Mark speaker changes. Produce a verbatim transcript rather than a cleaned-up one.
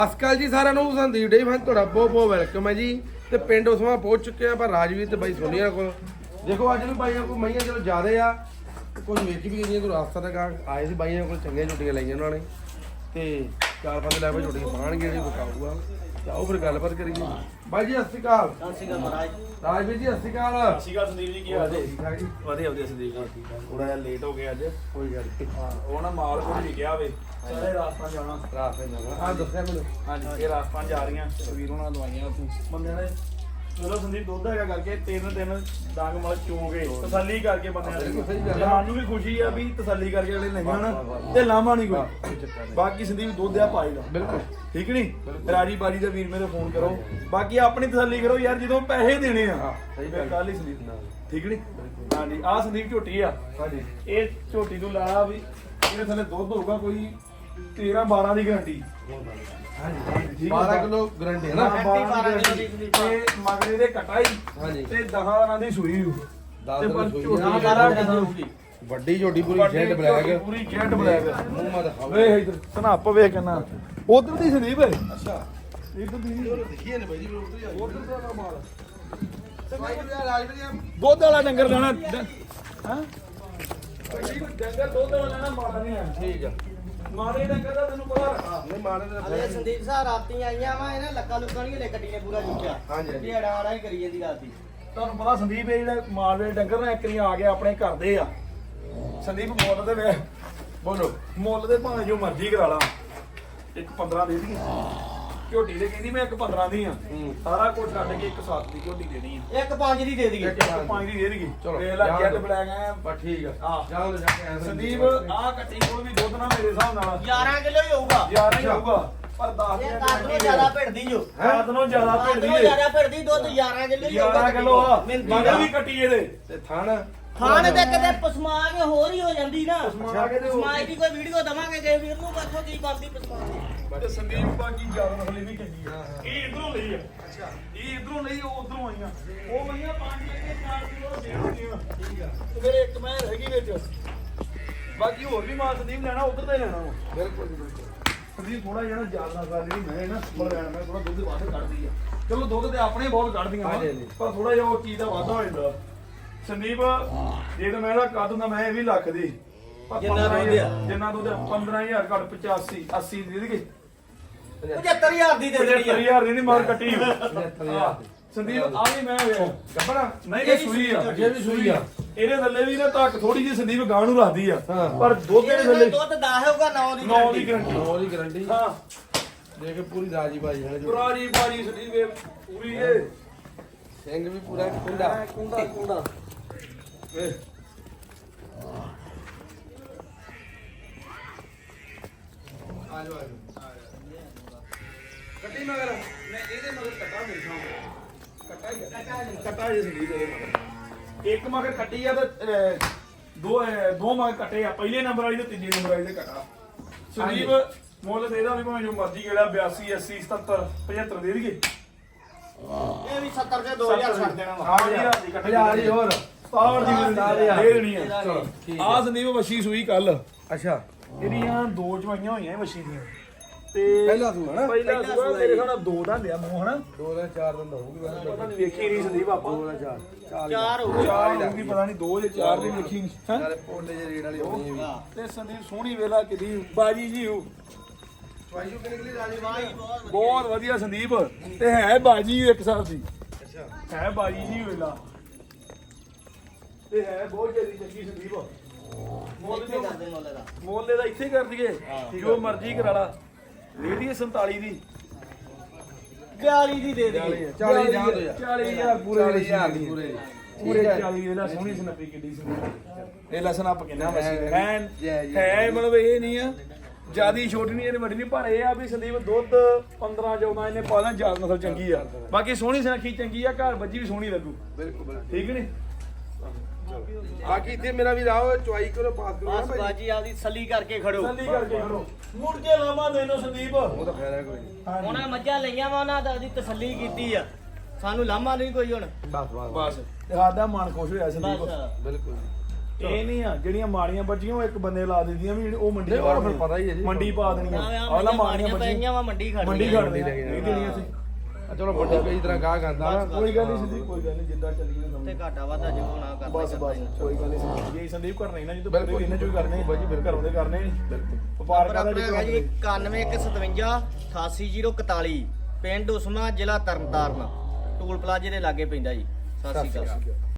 Speaker 1: ਅਸਕਲ ਜੀ ਸਾਰਿਆਂ ਨੂੰ ਸੰਦੀਪ ਡੇ ਫਨ ਤੁਹਾਡਾ ਬਹੁਤ ਬਹੁਤ ਵੈਲਕਮ ਹੈ ਜੀ। ਤੇ ਪਿੰਡ ਉਸਮਾ ਪਹੁੰਚ ਚੁੱਕੇ ਆ ਪਰ ਰਾਜਵੀਰ ਤੇ ਬਾਈ ਸੋਨੀਆ ਕੋਲ। ਦੇਖੋ ਅੱਜ ਵੀ ਬਾਈਆਂ ਕੋਲ ਮਈਆਂ ਚਲੋ ਜ਼ਿਆਦੇ ਆ, ਕੁਝ ਵੇਚ ਵੀ ਗਈਆਂ, ਕੋਈ ਰਾਸਤਾ ਦਾ ਗਾਂ ਆਏ ਸੀ ਬਾਈਆਂ ਕੋਲ, ਚੰਗੀਆਂ ਝੋਟੀਆਂ ਲਾਈਆਂ ਉਹਨਾਂ ਨੇ ਤੇ ਚਾਰ ਪੰਜ ਲੈ ਕੇ ਝੋਟੀਆਂ ਪਾਣਗੇ ਜਿਹੜੀ ਵਿਕਾਊਗਾ। ਆਓ ਫਿਰ ਗੱਲਬਾਤ ਕਰੀਏ। ਬਾਈ ਜੀ ਸਤਿ ਸ਼੍ਰੀ ਅਕਾਲ।
Speaker 2: ਸਤਿ ਸ਼੍ਰੀ ਅਕਾਲ ਮਹਾਰਾਜ।
Speaker 1: ਰਾਜਵੀਰ ਜੀ ਸਤਿ ਸ਼੍ਰੀ ਅਕਾਲ।
Speaker 2: ਸਤਿ ਸ਼੍ਰੀ ਅਕਾਲ ਸੰਦੀਪ ਜੀ, ਕੀ ਹਾਲ ਜੀ?
Speaker 1: ਠੀਕ ਠਾਕ ਜੀ।
Speaker 2: ਵਧੀਆ ਵਧੀਆ ਸੰਦੀਪ ਜੀ, ਥੋੜਾ ਜਿਹਾ ਲੇਟ ਹੋ ਗਿਆ ਅੱਜ।
Speaker 1: ਕੋਈ ਗੱਲ ਨਹੀਂ,
Speaker 2: ਹਾਂ ਉਹ ਨਾ ਮਾਲ ਕੋਈ ਨਹੀਂ ਗਿਆ ਵੇ, ਸਾਰੇ ਰਾਜਸਥਾਨ ਜਾਣਾ।
Speaker 1: ਰਾਸਤੇ ਨਾਲ ਹਾਂ ਦੱਸਿਆ ਮੈਨੂੰ।
Speaker 2: ਹਾਂਜੀ ਇਹ ਰਾਜਸਥਾਨ ਜਾ ਰਹੀਆਂ, ਵੀਰ ਉਹਨਾਂ ਦਵਾਈਆਂ ਉੱਥੇ ਬੰਦਿਆਂ ਨੇ। ਚਲੋ ਸੰਦੀਪ ਦੁੱਧ ਹੈਗਾ ਕਰਕੇ ਤਿੰਨ ਤਿੰਨ ਡੰਗ ਮਲ ਚੋਗੇ ਤਸੱਲੀ ਕਰਕੇ ਬੰਦਿਆਂ ਨੇ। ਸਾਨੂੰ ਵੀ ਖੁਸ਼ੀ ਆ ਵੀ ਤਸੱਲੀ ਕਰਕੇ ਅਗਲੇ ਨਹੀਂ ਹਨ ਤੇ ਲਾਮਾ ਨਹੀਂ ਕੋਈ। ਬਾਕੀ ਸੰਦੀਪ ਦੁੱਧ ਆ ਪਾਈ ਦਾ
Speaker 1: ਬਿਲਕੁਲ
Speaker 2: ਠੀਕ ਨਹੀਂ। ਰਾਜੀ ਬਾਜੀ ਦਾ ਵੀਰ ਮੇਰੇ ਫੋਨ ਕਰੋ, ਬਾਕੀ ਆਪਣੀ ਤਸੱਲੀ ਕਰੋ ਯਾਰ, ਜਦੋਂ ਪੈਸੇ ਦੇਣੇ ਆ ਫਿਰ ਕੱਲ ਹੀ ਸੰਦੀਪ ਨਾਲ ਠੀਕ ਨਹੀਂ। ਹਾਂਜੀ ਆਹ ਸੰਦੀਪ ਝੋਟੀ ਆ।
Speaker 1: ਹਾਂਜੀ
Speaker 2: ਇਹ ਝੋਟੀ ਨੂੰ ਲਾ ਵੀ ਇਹਦੇ ਥੱਲੇ ਦੁੱਧ ਹੋਊਗਾ ਕੋਈ ਤੇਰਾਂ ਬਾਰਾਂ ਦੀ ਗਾਰੰਟੀ।
Speaker 1: ਹਾਂਜੀ ਬਾਰਾਂ ਕਿਲੋ ਗਰੰਟੀ ਹੈ ਨਾ।
Speaker 2: ਬਾਰਾਂ ਦੀ ਤੇ ਮਗਰੇ ਦੇ ਕਟਾਈ
Speaker 1: ਹਾਂਜੀ
Speaker 2: ਤੇ ਦਹਾਂ ਦੀ ਸੂਈ ਹੋ
Speaker 1: ਦਸ
Speaker 2: ਤੇ
Speaker 1: ਦਿਨ
Speaker 2: ਪਰ
Speaker 1: ਸੂਈ
Speaker 2: ਝੋਟੀ
Speaker 1: ਆ।
Speaker 2: ਬਾਰਾਂ ਦੀ ਹੋਊਗੀ।
Speaker 1: ਵੱਡੀ ਝੋਟੀ ਪੂਰੀ
Speaker 2: ਵੱਡੀ
Speaker 1: ਜੈਟ ਬਲੈਕ,
Speaker 2: ਝੋਟੀ ਪੂਰੀ ਜੈਟ ਬਲੈਕ।
Speaker 1: ਮੂੰਹ ਮਾ ਦਿਖਾਓ।
Speaker 2: ਵੇ ਇਧਰ ਸਨਾਪ ਵੇਖ ਕਿੰਨਾ ਉਧਰ ਦੀ ਸੰਦੀਪ ਹੈ।
Speaker 1: ਅੱਛਾ
Speaker 2: ਇਧਰ ਦੀ
Speaker 1: ਦੇਖੀਏ ਨੇ ਬਾਈ ਜੀ ਉਧਰ ਹੀ ਆ।
Speaker 2: ਉਧਰ ਦਾ ਮਾਲ
Speaker 1: ਰਾਜਵੀਰ
Speaker 2: ਦੁੱਧ ਵਾਲਾ ਡੰਗਰ ਲੈਣਾ ਹਾਂ ਡੰਗਰ ਦੁੱਧ ਵਾਲਾ ਲੈਣਾ ਮਾੜਾ ਨਹੀਂ ਹੈ।
Speaker 1: ਠੀਕ ਆ।
Speaker 2: ਮਾੜੇ ਡੰਗਰ ਦਾ ਤੈਨੂੰ ਪਤਾ ਰੱਖਾ
Speaker 1: ਨਹੀਂ ਮਾਰੇ ਨੇ
Speaker 3: ਅਲੇ ਸੰਦੀਪ ਸਾਹਿਬ ਰਾਤੀ ਆਈਆਂ ਵਾ ਇਹਨੇ ਲੱਕਾ ਲੁੱਕਾ ਨਹੀਂ ਲੈ ਗੱਡੀ ਨੇ ਪੂਰਾ ਚੁੱਕਿਆ।
Speaker 1: ਹਾਂਜੀ ਹਾਂਜੀ
Speaker 3: ਢੇੜਾ ਆੜਾ ਹੀ ਕਰੀ ਜਾਂਦੀ ਰਾਤੀ।
Speaker 2: ਤੁਹਾਨੂੰ ਪਤਾ ਸੰਦੀਪ ਇਹ ਜਿਹੜੇ ਮਾਲਵੇ ਡੰਗਰ ਨਾ ਇੱਕ ਵਾਰੀ ਆ ਗਿਆ ਆਪਣੇ ਘਰ ਦੇ ਆ। ਸੰਦੀਪ ਮੁੱਲ ਦੇ ਵੇ
Speaker 1: ਬੋਲੋ।
Speaker 2: ਮੁੱਲ ਦੇ ਭਾਵੇਂ ਜੋ ਮਰਜ਼ੀ ਕਰਾ ਲਾ, ਇੱਕ ਪੰਦਰਾਂ ਦੇ ਦੀ ਝੋਟੀ ਦੇ ਕਹਿੰਦੀ ਮੈਂ ਇੱਕ ਪੰਦਰਾਂ ਦੀ ਆ।
Speaker 1: ਹੂੰ
Speaker 2: ਸਾਰਾ ਕੁਝ ਛੱਡ ਕੇ ਇੱਕ ਸੱਤ ਦੀ ਝੋਟੀ ਦੇਣੀ ਆ।
Speaker 3: ਇੱਕ ਪੰਜ ਦੀ ਦੇ ਦਈਏ।
Speaker 1: ਇੱਕ
Speaker 2: ਇੱਕ ਪੰਜ ਦੀ ਦੇ ਦੇਗੀ।
Speaker 1: ਚਲੋ,
Speaker 2: ਵੇਖ ਲੈ
Speaker 1: ਜਾਣ
Speaker 2: ਜੈਟ
Speaker 1: ਦਿਓ।
Speaker 2: ਬਲੈਕ ਆ
Speaker 1: ਬਸ ਠੀਕ ਆ।
Speaker 2: ਹਾਂ।
Speaker 1: ਜਾਓ ਜਾ ਕੇ ਆਇਆ
Speaker 2: ਸੰਦੀਪ ਆਹ ਕੱਟੀ ਕੋਲ ਵੀ ਦੁੱਧ ਨਾ ਮੇਰੇ ਹਿਸਾਬ ਨਾਲ
Speaker 3: ਗਿਆਰਾਂ ਕਿਲੋ ਹੀ ਹੋਊਗਾ।
Speaker 2: ਯਾਰ ਨਹੀਂ ਹੋਊਗਾ ਪਰ ਦਸ
Speaker 3: ਇਹ ਕਾਟੋਂ ਜ਼ਿਆਦਾ ਭਿੜਦੀ ਜੋ।
Speaker 2: ਰਾਤ ਨੂੰ ਜ਼ਿਆਦਾ ਭਿੜਦੀ
Speaker 3: ਕਾਟੋਂ
Speaker 2: ਏ।
Speaker 3: ਜ਼ਿਆਦਾ ਭਿੜਦੀ ਦੁੱਧ ਗਿਆਰਾਂ ਕਿਲੋ ਹੀ ਹੋਊਗਾ।
Speaker 2: ਗਿਆਰਾਂ ਕਿਲੋ ਆ
Speaker 3: ਮਿੰਤੀ
Speaker 2: ਮਗਰ ਵੀ ਕੱਟੀ ਇਹਦੇ
Speaker 1: ਤੇ ਥਣ
Speaker 3: ਖਾਣ ਤੇ ਕਿਤੇ ਪਸਮਾ ਕੇ ਹੋਰ ਹੀ ਹੋ ਜਾਂਦੀ ਨਾ।
Speaker 2: ਪਸਮਾ ਕੇ ਤੇ ਹੋਰ
Speaker 3: ਪਸਮਾ ਦੀ ਕੋਈ ਵੀਡੀਓ ਦਵਾਂਗੇ ਜੇ ਵੀਰ ਨੂੰ ਬੱਚੋ ਕੀ ਬਣਦੀ ਪਸਮਾ ਦੀ।
Speaker 2: ਤੇ ਸੰਦੀਪ ਬਾਕੀ ਜ਼ਿਆਦਾ ਨਸਲੀ ਵੀ ਚੰਗੀ ਆ। ਇਹ ਇਧਰੋਂ ਲਈ ਆ। ਅੱਛਾ ਇਹ ਇਧਰੋਂ ਲਈ, ਉਹ ਉਧਰੋਂ ਆਈਆਂ। ਉਹ ਮਈਆਂ ਪੰਜ ਕੇ ਚਾਰ ਕਿਲੋ ਦੇ ਹੁੰਦੀਆਂ ਠੀਕ ਆ। ਤੇ ਫਿਰ ਇੱਕ ਮੈਂ ਹੈਗੀ ਵਿੱਚ। ਬਾਕੀ ਹੋਰ ਵੀ ਮਾਲ ਸੰਦੀਪ ਲੈਣਾ ਉਧਰ ਤੇ ਲੈਣਾ ਵਾ।
Speaker 1: ਬਿਲਕੁਲ ਜੀ ਬਿਲਕੁਲ।
Speaker 2: ਸੰਦੀਪ ਥੋੜਾ ਜਿਹਾ ਜ਼ਿਆਦਾ ਗੱਲ ਜਿਹੜੀ ਮੈਂ ਨਾ ਸਪਰ ਲੈਣ ਮੈਂ ਥੋੜਾ ਦੁੱਧ ਵੱਧ ਕੱਢਦੀ ਆ। ਚਲੋ ਦੁੱਧ ਤੇ ਆਪਣੇ ਬਹੁਤ ਕੱਢਦੀਆਂ ਵਾ, ਪਰ ਥੋੜਾ ਜਿਹਾ ਉਹ ਚੀਜ਼ ਦਾ ਵਾਧਾ ਹੋ ਜਾਂਦਾ। ਸੰਦੀਪ ਜੇ ਤਾਂ ਮੈਂ ਇਹਦਾ ਕੱਢ ਦਿੰਦਾ ਮੈਂ ਇਹ ਵੀ ਲੱਖ ਦੀ।
Speaker 3: ਜਿੰਨਾ ਦੁੱਧ ਆ।
Speaker 2: ਜਿੰਨਾ ਦੁੱਧ ਪੰਦਰਾਂ ਹਜ਼ਾਰ ਘੱਟ ਪਚਾਸੀ ਅੱਸੀ ਦੇ ਦੇਗੇ।
Speaker 3: ਪਝੱਤਰ ਹਜ਼ਾਰ ਦੀ ਦੇ ਦੇਣੀ
Speaker 2: ਪਝੱਤਰ
Speaker 3: ਆ।
Speaker 2: ਹਜ਼ਾਰ ਦੀ ਨਹੀਂ ਮਾਰ ਕੱਟੀ।
Speaker 1: ਪਝੱਤਰ ਹਜ਼ਾਰ ਦੀ।
Speaker 2: ਸੰਦੀਪ ਆ ਵੀ ਮੈਂ ਵੇਖ
Speaker 1: ਗੱਬਣਾ
Speaker 2: ਨਹੀਂ ਇਹ ਸੂਈ ਆ।
Speaker 1: ਜੇ ਵੀ ਸੂਈ ਆ।
Speaker 2: ਇਹਦੇ ਥੱਲੇ ਵੀ ਨਾ ਧੱਕ ਥੋੜੀ ਜਿਹੀ ਸੰਦੀਪ ਗਾਂ ਨੂੰ ਰੱਖਦੀ ਆ,
Speaker 1: ਹਾਂ।
Speaker 2: ਪਰ ਦੁੱਧ ਦੇ
Speaker 3: ਇਹਦੇ
Speaker 2: ਥੱਲੇ
Speaker 3: ਦੁੱਧ ਦਸ ਹੋਊਗਾ ਨੌ ਦੀ
Speaker 2: ਨੌ ਦੀ
Speaker 3: ਗਰੰਟੀ।
Speaker 2: ਗਰੰਟੀ।
Speaker 1: ਨੌ ਦੀ ਗਰੰਟੀ।
Speaker 2: ਹਾਂ
Speaker 1: ਦੇਖ ਕੇ ਪੂਰੀ ਰਾਜੀ ਬਾਜੀ ਹੈ ਜੀ।
Speaker 2: ਪੁਰਾਣੀ ਬਾਰੀ ਸੰਦੀਪ ਇਹ ਪੂਰੀ ਇਹ
Speaker 1: ਸਿੰਘ ਵੀ ਪੂਰਾ ਕੁੰਡਾ।
Speaker 2: ਕੁੰਡਾ ਕੁੰਡਾ ਵੇ
Speaker 1: ਆ ਜਾਓ ਆ ਜਾਓ। ਕੱਟੀ ਮਗਰ
Speaker 2: ਮੈਂ ਇਹਦੇ ਮਗਰ ਕੱਟਾ ਮੇਰੇ ਸਾਹਮਣੇ ਕੱਟਾ ਹੀ ਆ। ਕੱਟਾ ਜੇ ਸੰਦੀਪ ਇਹਦੇ ਮਗਰ ਇੱਕ ਮਗਰ ਕੱਟੀ ਆ ਤੇ ਅਹ, ਦੋ ਅਹ, ਦੋ ਮਗਰ ਕੱਟੇ ਆ। ਪਹਿਲੇ ਨੰਬਰ ਵਾਲੀ ਤੇ ਤੀਜੇ ਨੰਬਰ ਵਾਲੀ ਤੇ ਕੱਟਾ। ਸੰਦੀਪ ਮੁੱਲ ਦੇ ਇਹਦਾ ਵੀ ਭਾਵੇਂ ਜੋ ਮਰਜ਼ੀ ਕਿਹੜਾ ਬਿਆਸੀ ਅੱਸੀ ਸਤੱਤਰ ਪਝੱਤਰ ਦੇ ਦੇਈਏ।
Speaker 3: ਇਹ ਵੀ ਸੱਤਰ ਦੇ ਦੋ ਹਜ਼ਾਰ ਛੱਡ ਦੇਣਾ ਵਾ।
Speaker 2: ਹਾਂ ਹਜ਼ਾਰ ਦੀ ਕੱਟੀ
Speaker 1: ਹਜ਼ਾਰ ਹੀ ਹੋਰ।
Speaker 2: ਸਤਾਹਠ ਦੀ ਦੇ ਦੇਣੀ ਆ।
Speaker 1: ਚਲੋ ਠੀਕ ਆ।
Speaker 2: ਆ ਸੰਦੀਪ ਵਸ਼ੀ ਸੂਈ ਕੱਲ
Speaker 1: ਅੱਛਾ
Speaker 2: ਇਹਦੀਆਂ ਦੋ ਚਵਾਈਆਂ ਹੋਈਆਂ ਵਸ਼ੀ ਦੀਆਂ ਤੇ
Speaker 1: ਪਹਿਲਾ ਸੂਆ ਨਾ?
Speaker 2: ਪਹਿਲਾ ਸੂਆ ਮੇਰੇ ਹਿਸਾਬ ਨਾਲ ਦੋ ਦਾ ਲਿਆ ਮੂੰਹ ਹਨਾ।
Speaker 1: ਦੋ ਦਾ ਚਾਰ ਦਿਨ ਦਾ ਹੋਊਗੀ ਬਸ।
Speaker 2: ਪਤਾ ਨਹੀਂ ਵੇਖੀ ਨਹੀਂ ਸੰਦੀਪ ਆਪਾਂ
Speaker 1: ਦੋ ਦਾ ਚਾਰ ਚਾਰ ਹੀ।
Speaker 3: ਚਾਰ ਹੋਊਗਾ।
Speaker 2: ਚਾਰ ਹੋਊਗੀ ਪਤਾ ਨਹੀਂ ਦੋ ਜਾਂ ਚਾਰ ਦੀ ਵੇਖੀ ਨਹੀਂ ਹੈਂ?
Speaker 1: ਨਾਲੇ ਪੋਲੇ ਜਿਹੇ ਰੇਡ ਵਾਲੀ ਹੋਣੀ ਹੈ ਵੀ।
Speaker 2: ਤੇ ਸੰਦੀਪ ਸੋਹਣੀ ਵੇਲਾ ਕਿਦੀ ਬਾਜੀ ਜੀ ਹੋ
Speaker 1: ਚਵਾਈਓ ਕਿ ਨਿਕਲੀ ਰਾਜੀ
Speaker 3: ਬਾਈ ਬਹੁਤ
Speaker 2: ਬਹੁਤ ਵਧੀਆ ਸੰਦੀਪ ਤੇ ਹੈ ਬਾਜੀ ਇੱਕ ਹਿਸਾਬ ਦੀ
Speaker 1: ਅੱਛਾ
Speaker 2: ਹੈ ਬਾਜੀ ਜੀ ਵੇਲਾ ਤੇ ਹੈ ਬਹੁਤ ਜਲਦੀ ਚੰਗੀ ਸੰਦੀਪ ਮੁੱਲ
Speaker 3: ਇੱਥੇ ਕਰਦੇ ਮੁੱਲ ਦਾ।
Speaker 2: ਮੁੱਲ ਦਾ ਇੱਥੇ ਕਰ ਦਈਏ ਜੋ ਮਰਜ਼ੀ ਕਰਾ ਲਾ ਦੇ ਦਈਏ ਸੰਤਾਲੀ ਦੀ
Speaker 3: ਬਿਆਲੀ ਦੀ ਦੇ ਦਈਏ।
Speaker 1: ਚਾਲੀ ਜਾਂ ਦੋ ਯਾਰ।
Speaker 2: ਚਾਲੀ ਹਜ਼ਾਰ ਪੂਰੇ
Speaker 1: ਚਾਲੀ ਹਜ਼ਾਰ ਦੀ ਪੂਰੇ।
Speaker 2: ਪੂਰੇ ਚਾਲੀ ਇਹਦਾ ਸੋਹਣੀ ਸਨੱਪੀ ਕਿੱਡੀ ਸੰਦੀਪ ਇਹ ਲਸਣ ਆਪ ਕਿੰਨਾ ਵਸੀ
Speaker 1: ਹੈ,
Speaker 2: ਹੈ
Speaker 1: ਜੈ ਜੀ।
Speaker 2: ਹੈ ਮਤਲਬ ਇਹ ਨਹੀਂ ਆ ਜਿਆਦੀ ਛੋਟੀ ਨਹੀਂ ਇਹਨੇ ਵੱਡੀ ਨਹੀਂ, ਪਰ ਇਹ ਆ ਵੀ ਸੰਦੀਪ ਦੁੱਧ ਪੰਦਰਾਂ ਚੌਦਾਂ ਇਹਨੇ ਪਾ ਦੇਣਾ। ਜ਼ਿਆਦਾ ਨਸਲ ਚੰਗੀ ਆ, ਬਾਕੀ ਸੋਹਣੀ ਸੁਨੱਖੀ ਚੰਗੀ ਆ, ਘਰ ਬੱਜੀ ਵੀ ਸੋਹਣੀ ਲੱਗੂ।
Speaker 1: ਬਿਲਕੁਲ ਬਿਲਕੁਲ।
Speaker 2: ਠੀਕ ਨਹੀਂ
Speaker 1: ਬਾਕੀ ਇੱਥੇ ਮੇਰਾ ਵੀ ਰਾਓ ਚੁਆਈ ਕਰੋ ਪਾਸ ਕਰੋ ਨਾ
Speaker 3: ਬਸ
Speaker 1: ਭਾਈ।
Speaker 3: ਬਾਜੀ ਆਪਦੀ ਸੱਲੀ ਕਰਕੇ ਖੜੋ।
Speaker 2: ਤਸੱਲੀ ਕਰਕੇ ਖੜੋ ਮੁੜ ਕੇ ਲਾਵਾਂ ਦੇਨੋ ਸੰਦੀਪ।
Speaker 1: ਉਹ ਤਾਂ ਫਾਇਦਾ ਕੋਈ ਨਹੀਂ।
Speaker 3: ਉਹਨਾਂ ਮੱਝਾਂ ਲਈਆਂ ਵਾ ਉਹਨਾਂ ਦਾ ਉਹਦੀ ਤਸੱਲੀ ਕੀਤੀ ਆ। ਸਾਨੂੰ ਲਾਮਾ ਨਹੀਂ ਕੋਈ ਹੁਣ।
Speaker 1: ਬਸ ਬਸ
Speaker 2: ਬਸ ਤੇ ਸਾਡਾ ਮਨ ਖੁਸ਼ ਹੋਇਆ ਸੰਦੀਪ।
Speaker 3: ਬਸ
Speaker 1: ਬਿਲਕੁਲ।
Speaker 2: ਇਹ ਨਹੀਂ ਆ ਜਿਹੜੀਆਂ ਮਾੜੀਆਂ ਬੱਜੀਆਂ ਉਹ ਇੱਕ ਬੰਦੇ ਲਾ ਦਿੰਦੀਆਂ ਵੀ ਉਹ ਮੰਡੀ
Speaker 1: ਨਹੀਂ, ਉਹ ਫਿਰ ਪਤਾ ਹੀ ਹੈ ਜੀ।
Speaker 2: ਮੰਡੀ ਪਾ ਦੇਣੀਆਂ
Speaker 3: ਆਹ ਮਾੜੀਆਂ ਪਈਆਂ ਵਾ ਮੰਡੀ ਖੜ
Speaker 2: ਮੰਡੀ
Speaker 3: ਗਈਆਂ।
Speaker 2: ਖੜ ਦੇਣੀਆਂ ਇਹ ਦੇਣੀਆਂ ਸੀ
Speaker 1: ਆ ਚਲੋ ਵੱਡੇ ਕਈ ਤਰ੍ਹਾਂ ਗਾਹ ਕਰਦਾ ਨਾ
Speaker 2: ਕੋਈ ਗੱਲ ਨਹੀਂ ਸਿੱਧੀ ਕੋਈ ਗੱਲ ਨਹੀਂ ਜਿੱਦਾਂ ਚੱਲੀ ਜਾਂਦਾ
Speaker 3: ਤੇ ਘਾਟਾ ਵਾਧਾ ਜੋ ਨਾ ਕਰਦਾ
Speaker 2: ਬਸ ਬਸ ਕੋਈ ਗੱਲ ਨਹੀਂ ਜੇ ਸੰਦੀਪ ਕਰਨਾ ਹੀ ਨਾ ਜਦੋਂ ਬਿਲਕੁਲ ਇਹਨਾਂ ਚੋਂ ਹੀ ਕਰਨੇ ਬਾਜੀ ਫਿਰ ਘਰੋਂ ਦੇ ਕਰਨੇ ਵਪਾਰ
Speaker 3: ਨੰਬਰ
Speaker 2: ਕਰਦਾ
Speaker 3: ਆਪਣਾ ਹੈਗਾ ਜੀ ਇਕਾਨਵੇਂ ਇੱਕ ਸਤਵੰਜਾ ਅਠਾਸੀ ਜ਼ੀਰੋ ਇਕਤਾਲੀ ਪਿੰਡ ਉਸਮਾ ਜ਼ਿਲ੍ਹਾ ਤਰਨਤਾਰਨ ਟੂਲ ਪਲਾਜ਼ੇ ਦੇ ਲਾਗੇ ਪੈਂਦਾ ਜੀ। ਸਤਿ ਸ਼੍ਰੀ ਅਕਾਲ।